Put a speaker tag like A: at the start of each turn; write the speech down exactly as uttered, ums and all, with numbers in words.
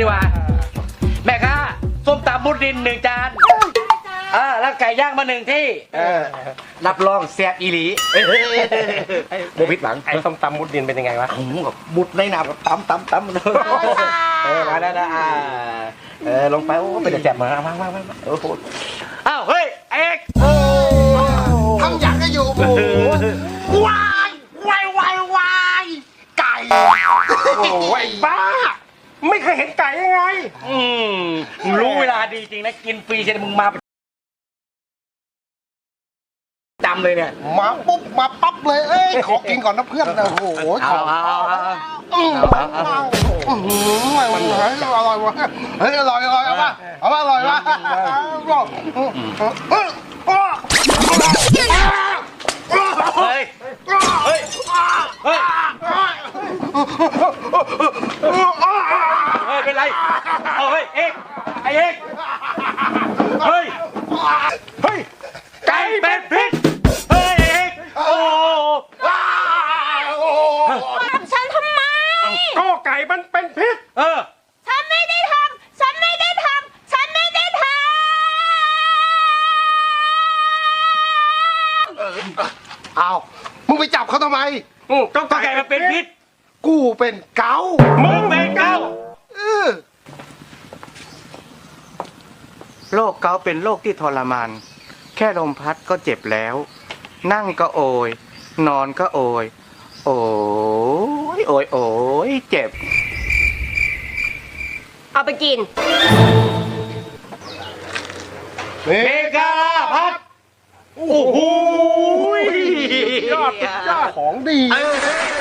A: ดีกว่าแม่ค้าส้มตำมุดดินหนึ่งจานอ่าแล้วไก่ย่างมาหนึ่งที่รับรองแซ่บอีหลีโบพิษหวัง
B: ไอ้ส้มตำมุดดินเป็นยังไงวะ
A: แบบมุดในน้ำแบบตำตำตำเออมาแล้วนะอ่าเออลงไปโอ้เป็นแซ่บมามามามาโอ้โหอ้าวเฮ้ยเอกโอ้
C: ทำอย่างก็อยู่โอ้วายวายวายวายไก่โอ้ยบ้า
B: ไม่เคยเห็นไก่ยังไง
A: อืมรู้เวลาดีจริงนะกินฟรีใช่ไหมมึงมาจำเลยเนี่ย
C: มาปุ๊บมาปั๊บเลยเอ้ยขอกินก่อนนะเพื่อนนะโอ้โหขอ
A: เอาเอาเอา
C: อืมอืมอร่อยวะเฮ้ยอร่อยอร่อยเอาป่ะเอาป่ะอร่อยวะ
A: เฮ้ยเฮ้ยเฮ้ยเฮ้ยเป็นไรเอาเฮ้ยเอกไอเอกเฮ้ยเฮ้ยไก่เป็นพิษเฮ้ยเอกโอ้
D: ทำฉันทำไม
B: ก็ไก่มันเป็นพิษ
A: เออ
D: ฉันไม่ได้ทำฉันไม่ได้ทำฉันไม่ได้ทำ
C: เอามึงไปจับเขาทำไม
A: ก็ไก่มันเป็นพิษ
C: กูเป็นเกา
A: มึงเป็นเกา
E: โรคเกาต์เป็นโรคที่ทรมานแค่ลมพัดก็เจ็บแล้วนั่งก็โอยนอนก็โอยโอ้ยโอยโอยเจ็บ
D: เอาไปกิน
A: เมกาพัดโอ้โห
B: ยอดยอดของดี